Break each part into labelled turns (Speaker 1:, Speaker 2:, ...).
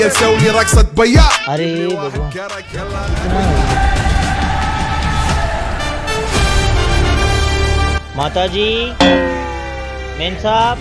Speaker 1: نسوي رقصة بياع.
Speaker 2: अरे माताजी मेन साहब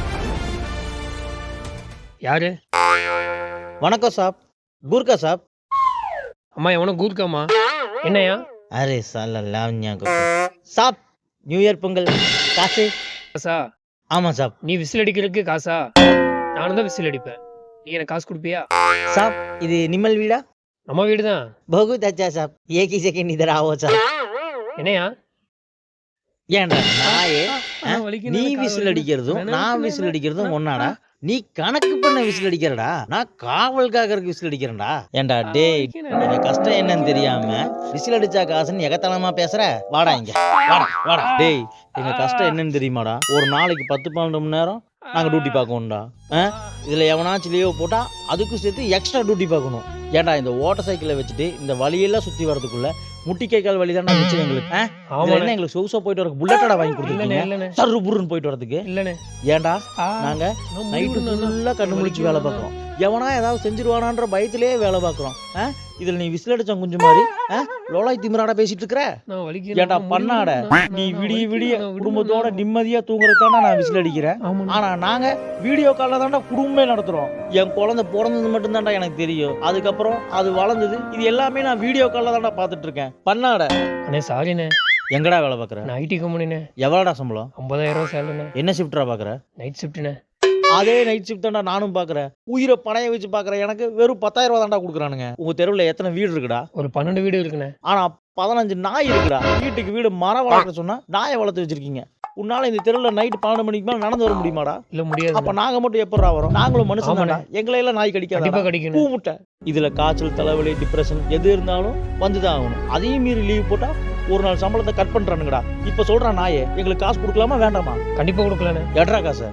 Speaker 3: யாரு?
Speaker 2: वणक्कम साहब गुरका साहब
Speaker 3: அம்மா எவனோ கூர்க்காமா? என்னையா?
Speaker 2: अरे साला लावण्या को साहब न्यू ईयर பொங்கல் காசு
Speaker 3: காசா?
Speaker 2: ஆமா சாப்
Speaker 3: நீ விசில் அடிக்கிறதுக்கு காசா? நானும் தான் விசில் அடிப்பேன். நீ எனக்கு காசு கொடுப்பியா?
Speaker 2: साहब இது நிமல் வீடா
Speaker 3: நம்ம வீடு தான்.
Speaker 2: बहुत अच्छा साहब एक ही सेकंड इधर आओ साहब
Speaker 3: என்னையா?
Speaker 2: ஏன்டா நாயே
Speaker 3: வலிக்குது,
Speaker 2: நீ
Speaker 3: கால்
Speaker 2: விசில்
Speaker 3: வலிக்குது.
Speaker 2: அடிக்கிறதும்
Speaker 3: வேணாம்,
Speaker 2: நான்
Speaker 3: வேணாம்,
Speaker 2: விசில் அடிக்கிறதும்
Speaker 3: வேணாம்.
Speaker 2: ஒன்னாடா நீ கணக்கு பண்ண விசில் அடிக்கிறடா நான் காவல் காக்கறதுக்கு விசில் அடிக்கிறேன்டா ஏன்டா டேய் என் கஷ்டம் என்னன்னு தெரியாம விசில் அடிச்சா காசுன்னு எகத்தனமா பேசுற வாடா இங்க வாடா வாடா டேய் எங்க கஷ்டம் என்னன்னு தெரியுமாடா ஒரு நாளைக்கு 10-12 மணி நேரம் நாங்க டியூட்டி பார்க்கணும்டா இதுல எவனாச்சும் லீவ் போட்டா அதுக்கும் சேர்த்து எக்ஸ்ட்ரா டியூட்டி பார்க்கணும் ஏன்டா இந்த ஓட்ட சைக்கிளை வச்சுட்டு இந்த வழியெல்லாம் சுத்தி வரதுக்குள்ள முட்டி கை கால் வழி தான் வச்சு எங்களுக்கு என்ன எங்களுக்கு சொகுசா போயிட்டு வரக்கு புல்லட்டடா வாங்கி கொடுத்துருக்கீங்க சர்ரு புருன்னு போயிட்டு வரதுக்கு
Speaker 3: இல்லனே
Speaker 2: ஏன்டா நாங்க நைட்டு ஃபுல்லா கண்ணு முழிச்சு வேலை பார்க்குறோம் எவனா ஏதாவது செஞ்சிருவானான்ற பயத்திலே வேலை பார்க்குறோம் இதுல நீ விசில் அடிச்ச குஞ்சு மாதிரி லோலாய் திமிராடா பேசிட்டு இருக்கிற ஏன்டா பண்ணாட நீ விடிய விடிய குடும்பத்தோட நிம்மதியா தூங்குறதுதான்டா நான் விசில் அடிக்கிறேன் ஆனா நாங்க வீடியோ கால்ல தான்டா குடும்பமே நடத்துறோம் என் குழந்தை பிறந்தது மட்டும் தான்டா எனக்கு தெரியும் அதுக்கப்புறம் அது வளர்ந்தது இது எல்லாமே நான் வீடியோ கால்ல தான்டா பாத்துட்டு இருக்கேன் பண்ணாட
Speaker 3: அண்ணே சாரிண்ணே
Speaker 2: எங்கடா வேலை பாக்குற
Speaker 3: நான் ஐடி கம்பெனிண்ணே
Speaker 2: எவ்வளோடா சம்பளம்
Speaker 3: 50,000 ரூபா சேலரிண்ணே
Speaker 2: என்ன ஷிஃப்டா பாக்குற
Speaker 3: நைட் ஷிஃப்ட்ண்ணே
Speaker 2: அதே நைட் ஷிஃப்ட் தான்டா நானும் பாக்குறேன் உயிரை பணைய வச்சு பாக்குறேன் எனக்கு வெறும் 10,000 ரூபா தான்டா கொடுக்குறானுங்க உங்க தெருவுல எத்தனை வீடு இருக்குடா
Speaker 3: ஒரு 12 வீடு இருக்குண்ணே
Speaker 2: ஆனா 15 நாய் இருக்குடா வீட்டுக்கு வீடு மரம் வளர்க்க சொன்னா நாயை வளர்த்து வச்சிருக்கீங்க உன்னால இந்த தெருவுல நைட் 12 மணிக்கு மேல நடந்து வர முடியுமாடா
Speaker 3: இல்ல முடியாது
Speaker 2: அப்ப நாங்க மட்டும் எப்படா வரோம் நாங்களும் மனுஷன் தானே எங்களை எல்லாம் நாய்
Speaker 3: கண்டிப்பா
Speaker 2: கடிக்காது
Speaker 3: கிடைக்கும்
Speaker 2: பூ முட்டை இதுல காய்ச்சல் தலைவலி டிப்ரெஷன் எது இருந்தாலும் வந்துதான் ஆகணும் அதையும் மீறி லீவ் போட்டா ஒரு நாள் சம்பளத்தை கட் பண்றானுங்கடா இப்ப சொல்றான் நாயே எங்களுக்கு காசு கொடுக்கலாமா வேண்டாமா
Speaker 3: கண்டிப்பா கொடுக்கலண்ணே
Speaker 2: எட்ரா காசு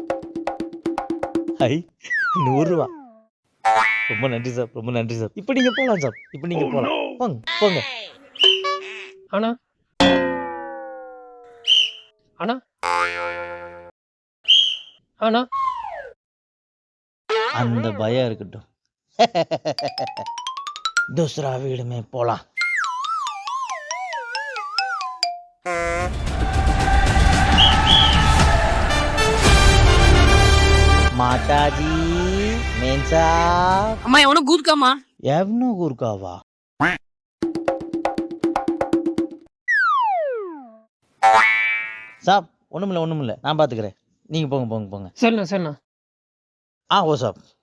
Speaker 2: ஹை 100 ரூபா ரொம்ப நன்றி சார் ரொம்ப நன்றி சார் இப்போ நீங்க போலாம் சார் இப்போ நீங்க போலாம் போங்க போங்க
Speaker 3: ஆனா ஆனா ஆனா
Speaker 2: அந்த பயம் இருக்கட்டும் दूसरा வீடு में போலாம் మాతాజీ మేన్ సాబ్
Speaker 4: అమ్మా ఎవనో గూర్కమ్మా
Speaker 2: ఎవనో గుర్కావా சாப் ஒண்ணுமில்ல நான் பாத்துக்கிறேன் நீங்க போங்க
Speaker 3: சரிண்ணா
Speaker 2: ஓ சாப்